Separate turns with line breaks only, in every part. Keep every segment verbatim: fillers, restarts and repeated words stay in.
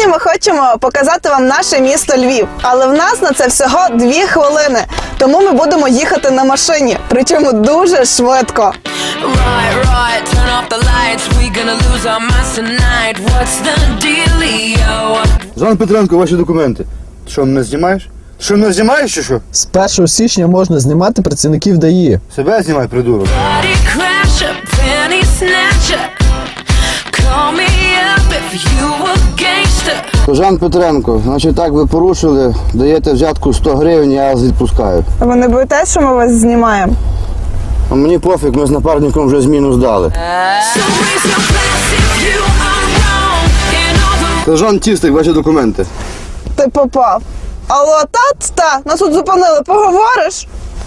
Сьогодні ми хочемо показати вам наше місто Львів, але в нас на це всього дві хвилини, тому ми будемо їхати на машині, причому дуже швидко.
Right, right, turn off the lights, we gonna lose our minds tonight. What's the dealio?
Жан Петренко, ваші документи. Ти що, мене знімаєш? Ти що, мене знімаєш чи що?
З першого січня можна знімати працівників ДАІ.
Себе знімай, придурок.
Body crasher, penny snatcher. Call me up if you a gangster.
Жан Петренко, значить так ви порушили, даєте взятку сто гривень, я вас відпускаю.
А ви не боїтесь, що ми вас знімаємо?
А мені пофіг, ми з напарником вже зміну здали.
So raise your glass if you are wrong. And all the
Жан Тістик, ваші документи.
Ти попав. Алло, та-та, нас тут зупинили, поговориш?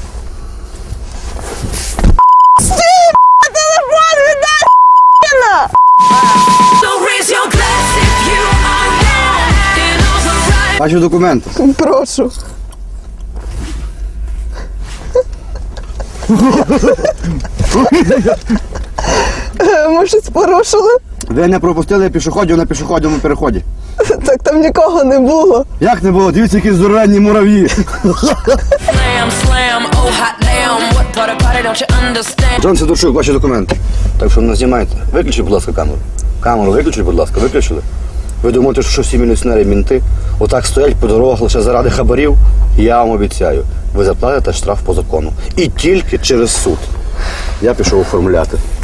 Стій, телефон віддай, ***на!
So raise your glass if you are wrong. And all the right.
Ваші документи.
Прошу. Ми щось порушили?
Ви не пропустили пішоходів на пішохідному переході.
Так там нікого не було.
Як не було? Дивіться, які здоровенні мурав'ї.
Slam, slam, oh hot damn. What part of party don't you understand?
Джон Сидорчук, ваші документи. Так що не знімайте. Виключіть, будь ласка, камеру. Камеру виключіть, будь ласка, виключили. Ви думаєте, що всі міліціонери мінти отак стоять по дорогах лише заради хабарів? Я вам обіцяю, ви заплатите штраф по закону. І тільки через суд. Я пішов оформляти.